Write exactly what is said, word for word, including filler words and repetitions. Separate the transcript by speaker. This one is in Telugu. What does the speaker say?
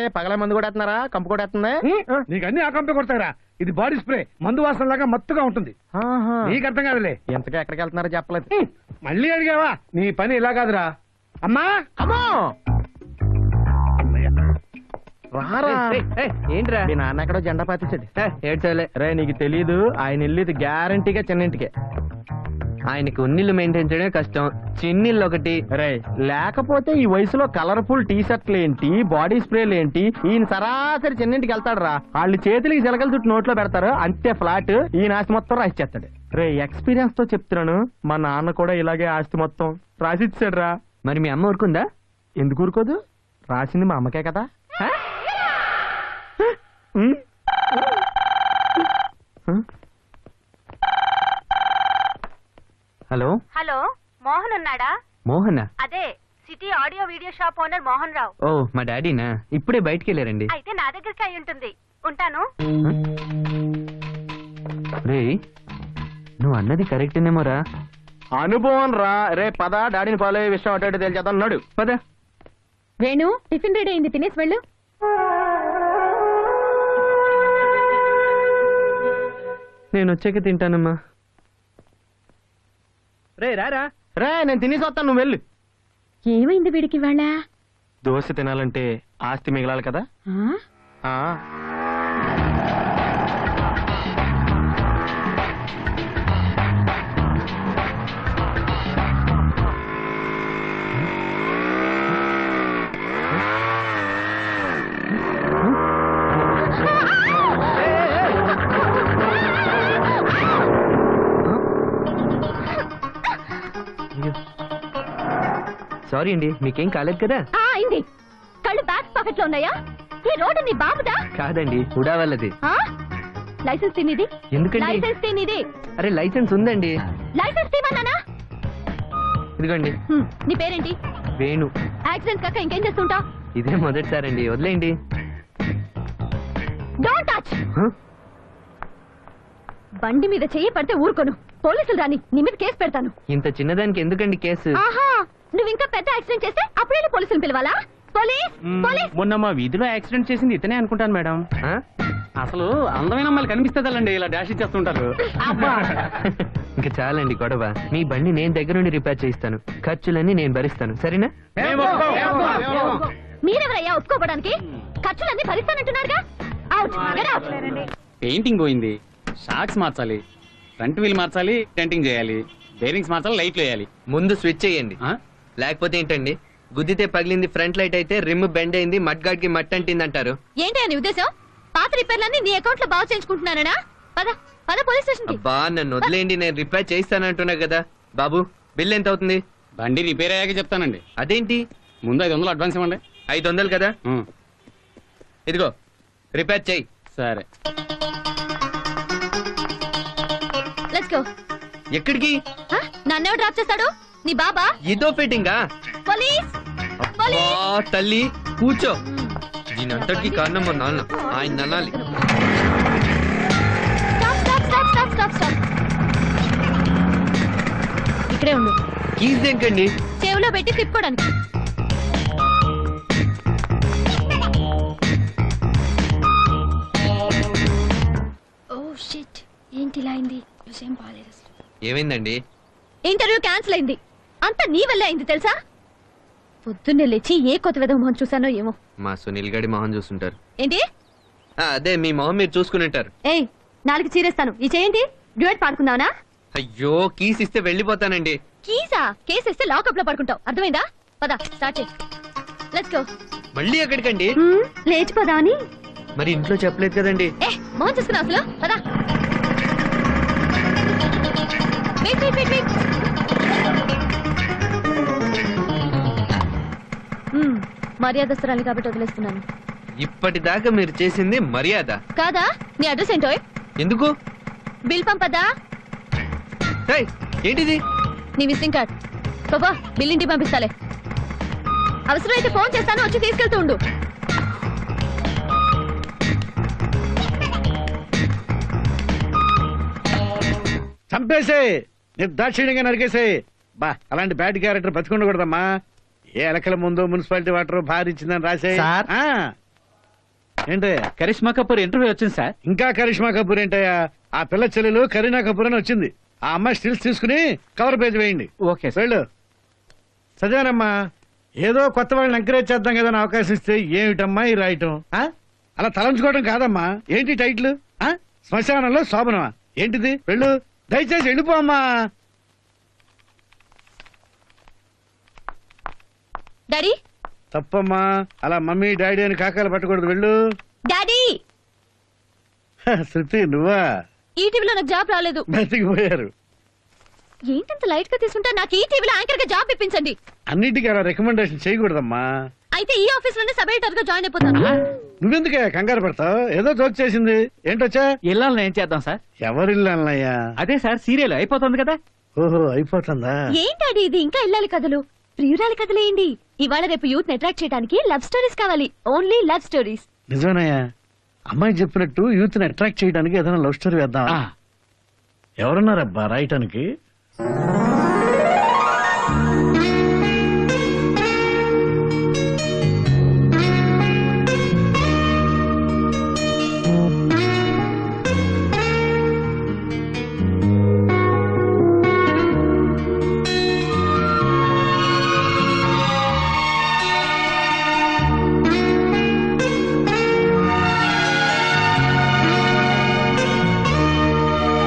Speaker 1: పగల మందు కొడేస్తున్నారా? కంపు కొడేస్తుందా?
Speaker 2: నీకు అన్ని ఆ కంపే కొడతారా? ఇది బాడీ స్ప్రే, మందు వాసన లాగా మత్తుగా ఉంటుంది. నీకు అర్థం కాదులే.
Speaker 1: ఎంతకీ ఎక్కడికి వెళ్తున్నారో చెప్పలేదు.
Speaker 2: మళ్ళీ అడిగావా? నీ పని ఇలా కాదురా. అమ్మా
Speaker 1: అమ్మో రారా.
Speaker 3: ఏంట్రా
Speaker 1: మీ నాన్న ఎక్కడో జెండా పాతించాడు.
Speaker 3: ఏడ్చలే
Speaker 1: రే నీకు తెలీదు, ఆయన వెళ్ళేది గ్యారంటీగా చిన్నింటికే.
Speaker 3: ఆయనకి ఉన్నిళ్ళు మెయింటైన్ చేయడమే కష్టం, చిన్నిళ్ళు ఒకటి.
Speaker 1: రే లేకపోతే ఈ వయసులో కలర్ఫుల్ టీ షర్ట్లు ఏంటి, బాడీ స్ప్రేలు ఏంటి? ఈయన సరాసరి చిన్నింటికి వెళ్తాడు రా. వాళ్ళు చేతులకి చిలకలు చుట్టూ నోట్లో పెడతారు, అంతే ఫ్లాట్. ఈయన ఆస్తి మొత్తం రాసిచ్చేస్తాడు. రే ఎక్స్పీరియన్స్ తో చెప్తున్నాను, మా నాన్న కూడా ఇలాగే ఆస్తి మొత్తం రాసిచ్చాడు రా.
Speaker 3: మరి మీ అమ్మ ఊరుకుందా?
Speaker 1: ఎందుకు ఊరుకోదు? రాసింది మా అమ్మకే కదా.
Speaker 3: హలో
Speaker 4: హలో, మోహన్ ఉన్నాడా?
Speaker 3: మోహన్?
Speaker 4: అదే city audio video shop owner Mohan Rao.
Speaker 3: ఓ మా డాడీనా? ఇప్పుడే బయటికి వెళ్ళారండి.
Speaker 4: అయితే నా దగ్గరికి అయి ఉంటుంది. ఉంటాను.
Speaker 3: రే నువ్వు అన్నది కరెక్టేనేమోరా.
Speaker 1: అనుభవం రా. రే పద, డాడీని ఫాలో అయ్యే విషయం అటు తెలిచేద్దాం. అన్నాడు
Speaker 3: పద.
Speaker 4: వేణు, టిఫిన్ రెడీ అయింది, తినేసి వెళ్ళు.
Speaker 3: నేను వచ్చాక తింటానమ్మా.
Speaker 1: రే రారా. రే నేను తినేసి వస్తాను, నువ్వు వెళ్ళు.
Speaker 4: ఏమైంది వీడికి వాళ్ళ?
Speaker 1: దోశ తినాలంటే ఆస్తి మిగలాలి కదా. ఆ
Speaker 3: సారీ అండి, మీకేం కాలేదు కదా?
Speaker 4: అయింది. కళ్ళు బ్యాక్ పాకెట్ లో ఉన్నాయా? ఈ రోడ్డు నీ బాబుదా?
Speaker 3: కాదండి, హుడా వాళ్ళది.
Speaker 4: లైసెన్స్ తినేది?
Speaker 3: ఎందుకండి?
Speaker 4: లైసెన్స్ తినేది.
Speaker 3: అరే లైసెన్స్ ఉందండి.
Speaker 4: లైసెన్స్ తీమన్నానా?
Speaker 3: ఇదిగోండి.
Speaker 4: నీ పేరేంటి?
Speaker 3: వేణు.
Speaker 4: యాక్సిడెంట్ కాక ఇంకేం చేస్తుంటా?
Speaker 3: ఇదే మొదటిసారండి, వదిలేయండి.
Speaker 4: Don't touch. బండి మీద చెయ్యి పడితే ఊరుకోను. పోలీసులు రాని నీ మీద కేసు పెడతాను.
Speaker 3: ఇంత చిన్నదానికి ఎందుకండి కేసు?
Speaker 4: ఆహా, నువ్వు ఇంకా పెద్ద యాక్సిడెంట్ చేస్తే అప్పుడే పోలీసులు పిలవాలా? Police police.
Speaker 1: మొన్న మా వీధిలో యాక్సిడెంట్ చేసింది ఇతనే అనుకుంటాను మేడం. అసలు అందమైన అమ్మాయిలు కనిపిస్తుందండి ఇలా డాష్ ఇచ్చేస్తుంటారు.
Speaker 3: ఇంకా చాలండి గొడవ. మీ బండి నేను దగ్గర నుండి రిపేర్ చేయిస్తాను, ఖర్చులన్నీ నేను భరిస్తాను, సరేనా?
Speaker 4: మీరెవరయ్యా ఒప్పుకోవడానికి? ఖర్చులన్నీ భరిస్తానంటున్నారుగా.
Speaker 5: పెయింటింగ్ పోయింది, షాక్స్ మార్చాలి, ఫ్రంట్ వీల్ మార్చాలి, టెంటింగ్ చేయాలి, బేరింగ్స్ మార్చాలి, లైట్లు వేయాలి.
Speaker 3: ముందు స్విచ్ చేయండి, లేకపోతే ఏంటండి గుద్దితే పగిలింది ఫ్రంట్ లైట్ అయితే రిమ్ బెండ్ అయింది, మడ్ గార్డ్ కి మట్ అంటింది అంటారు.
Speaker 4: ఏంటి అని ఉద్దేశం? పాత రిపేర్లన్నీ నీ అకౌంట్ లో బాగు చేయించుకుంటున్నానా? పద పద పోలీస్ స్టేషన్ కి.
Speaker 3: బా నన్ను వదిలేండి, నేను రిపేర్ చేయిస్తానంటున్నా కదా. బాబు బిల్ ఎంత అవుతుంది?
Speaker 5: బండి రిపేర్ అయ్యాక చెప్తానండి.
Speaker 3: అదేంటి?
Speaker 5: ముందు ఐదు వందలు అడ్వాన్స్ ఇవ్వండి.
Speaker 3: ఐదు వందలు కదా, ఇదిగో రిపేర్ చెయ్యి.
Speaker 5: సరే.
Speaker 4: Let's go.
Speaker 3: ఎక్కడికి?
Speaker 4: నన్నే డ్రాప్ చేస్తాడు నీ బాబా?
Speaker 3: ఇదో ఫిట్టింగా?
Speaker 4: Police police.
Speaker 3: తల్లి కూర్చో. దీనంతటికి కారణం మా నాన్న, ఆయన అనాలి.
Speaker 4: ఇక్కడే ఉండు.
Speaker 3: కీస్ దేనికండి?
Speaker 4: చెవులో పెట్టి తిప్పుకోవడానికి. ఓ షిట్, ఏంటి ఇలా అయింది? విషయం బాలేదు.
Speaker 3: ఏమైందండి?
Speaker 4: ఇంటర్వ్యూ క్యాన్సిల్ అయింది. అంతా నీ వల్లే అయింది తెలుసా? పొద్దున్నే లేచి ఏ కొత్త విధ మొహం చూసానో ఏమో.
Speaker 3: మా సునీల్ గడి మొహం చూస్తుంటారు.
Speaker 4: ఏంటి?
Speaker 3: అదే మీ మొహం మీరు చూసుకుని ఉంటారు.
Speaker 4: ఏయ్ నాలుగు చీరేస్తాను. ఈ చేయండి. డ్యూయట్ పాడుకుందావనా?
Speaker 3: అయ్యో కీస్ ఇస్తే వెళ్ళిపోతానండి.
Speaker 4: కీసా? కేసు ఇస్తే లాకప్ లో పడుకుంటావు, అర్థమైందా? పద స్టార్ట్ చేయి. Let's go.
Speaker 3: మళ్ళీ ఎక్కడికండి?
Speaker 4: లేచిపోదామని.
Speaker 3: మరి ఇంట్లో చెప్పలేదు కదండి.
Speaker 4: ఏ మొహం చూసుకున్నావు అసలు? పద. Wait wait wait wait. మర్యాదస్తురాలి కాబట్టి వదిలేస్తున్నాను.
Speaker 3: ఇప్పటిదాకా మీరు చేసింది మర్యాద
Speaker 4: కాదా? నీ అడ్రస్ ఏంటో?
Speaker 3: ఎందుకు?
Speaker 4: బిల్ పంపదా?
Speaker 3: ఏంటిది?
Speaker 4: నీ విజిటింగ్ కార్డ్. బాబా బిల్ ఇంటికి పంపిస్తాలే. అవసరమైతే ఫోన్ చేస్తాను, వచ్చి తీసుకెళ్తూ ఉండు.
Speaker 2: చంపేసే, నిర్దాక్షిణ్యంగా నరికేసే. బా అలాంటి బ్యాడ్ క్యారెక్టర్ బతికుండకూడదమ్మా. ఏ ఎలకల ముందు మున్సిపాలిటీ వాటర్ భారీ ఇచ్చిందని రాసే. ఏంటే
Speaker 5: కరిష్మా కపూర్ ఇంటర్వ్యూ వచ్చింది సార్.
Speaker 2: ఇంకా కరిష్మా కపూర్ ఏంటయ్యా? ఆ పిల్ల చెల్లెలు కరీనా కపూర్ అని వచ్చింది. ఆ అమ్మాయి స్టిల్స్ తీసుకుని కవర్ పేజ్ వేయండి.
Speaker 1: Okay sir.
Speaker 2: వెళ్ళు. చదివానమ్మా. ఏదో కొత్త వాళ్ళని ఎంకరేజ్ చేద్దాం కదా అని అవకాశం ఇస్తే ఏమిటమ్మా ఈ రాయటం? ఆ? అలా తలంచుకోవడం కాదమ్మా. ఏంటి టైటిల్? ఆ? శ్మశానంలో శోభనమా? ఏంటిది? వెళ్ళు, దయచేసి వెళ్ళిపో అమ్మా.
Speaker 4: డాడీ
Speaker 2: తప్పమ్మా, అలా మమ్మీ డాడీ అని కాకాలు పట్టకూడదు. వెళ్ళు.
Speaker 4: డాడీ
Speaker 2: హ, శృతి నువ్వా?
Speaker 4: ఈ టీవీలో నాకు జాబ్ రాలేదు.
Speaker 2: బతికిపోయారు.
Speaker 4: ఏంటంత లైట్ గా తీసుకుంటా? నాకు ఈ టీవీలో యాంకర్ గా జాబ్ ఇప్పించండి.
Speaker 2: అన్నిటికీ అలా రికమెండేషన్ చేయకూడదమ్మా.
Speaker 4: అయితే ఈ ఆఫీస్ లోనే సబ్ ఎడిటర్ గా జాయిన్ అయిపోతాను.
Speaker 2: నువ్వెందుకే కంగారు పడతావు? ఏదో జోక్ చేసింది. ఏంటొచ్చా?
Speaker 5: ఇళ్ళని ఏం చేద్దాం సార్?
Speaker 2: ఎవరిల్లు అన్నయ్యా?
Speaker 5: అదే సార్, సీరియల్ అయిపోతుంది కదా.
Speaker 2: ఓహో, అయిపోతుందా?
Speaker 4: ఏంటాడి ఇది? ఇంకా ఇల్లాలి కథలు, ప్రియురాలి కథలేంటి? ఇవాళ రేపు యూత్ అట్రాక్ట్ చేయడానికి లవ్ స్టోరీస్ కావాలి. Only love stories.
Speaker 2: నిజమేనయ్యా. అమ్మాయి చెప్పినట్టు యూత్ ని అట్రాక్ట్ చేయడానికి ఏదైనా లవ్ స్టోరీ వేద్దాం.
Speaker 5: ఆ,
Speaker 2: ఎవరున్నారబ్బా రాయటానికి?